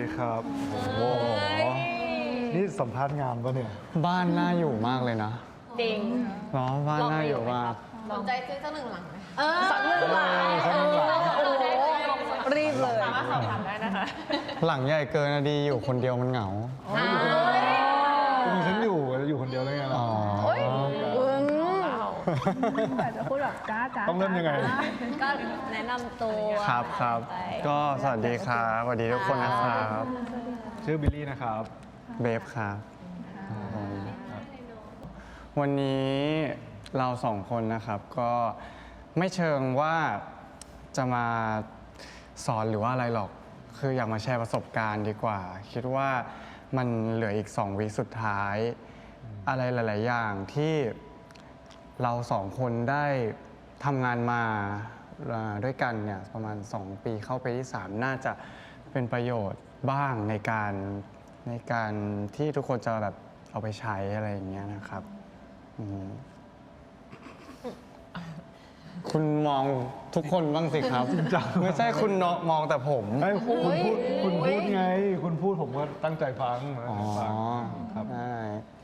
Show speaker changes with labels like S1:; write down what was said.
S1: ครับโอ้โหนี่สัมภาษณ์งานปะเนี่ย
S2: บ้านน่าอยู่มากเลยนะ
S3: จริง
S2: เนาะบ้านน่าอยู่มาก
S4: สนใจซื้อสักหนึ่งหลังไหม
S3: สักหนึ่งหลัง
S1: สักหนึ่งหลัง
S3: โอ้โหรีบเลย
S4: สามารถสอบถามได้นะคะ
S2: หลังใหญ่เกินอะดีอยู่คนเดียวมันเหงา
S1: ก็มีฉันอยู่คนเดียวได้ไงล่ะ
S2: อ๋อ
S5: แต่จะพูดแบบจ้าจ้า
S1: ต้องเริ่มยังไง
S3: ก็แนะนำตัว
S2: ครับครับ
S3: ไป
S2: ก็สวัสดีครับสวัสดีทุกคนนะครับ
S1: ชื่อบิลลี่นะครับ
S2: เบฟครับวันนี้เราสองคนนะครับก็ไม่เชิงว่าจะมาสอนหรือว่าอะไรหรอก คืออยากมาแชร์ประสบการณ์ดีกว่า คิดว่ามันเหลืออีก2 วิสุดท้าย อะไรหลาย ๆ อย่างที่เราสองคนได้ทำงานมาด้วยกันเนี่ยประมาณ2 ปีเข้าไปที่ 3 น่าจะเป็นประโยชน์บ้างในการที่ทุกคนจะแบบเอาไปใช้อะไรอย่างเงี้ยนะครับอืมคุณมองทุกคนบ้างสิครับ ไม่ใช่คุณมองแต่ผม
S1: ไอ้คุณพูดไง คุณพูดผมก็ตั้งใจฟัง
S2: อ๋อ
S1: ครับ
S2: ใช่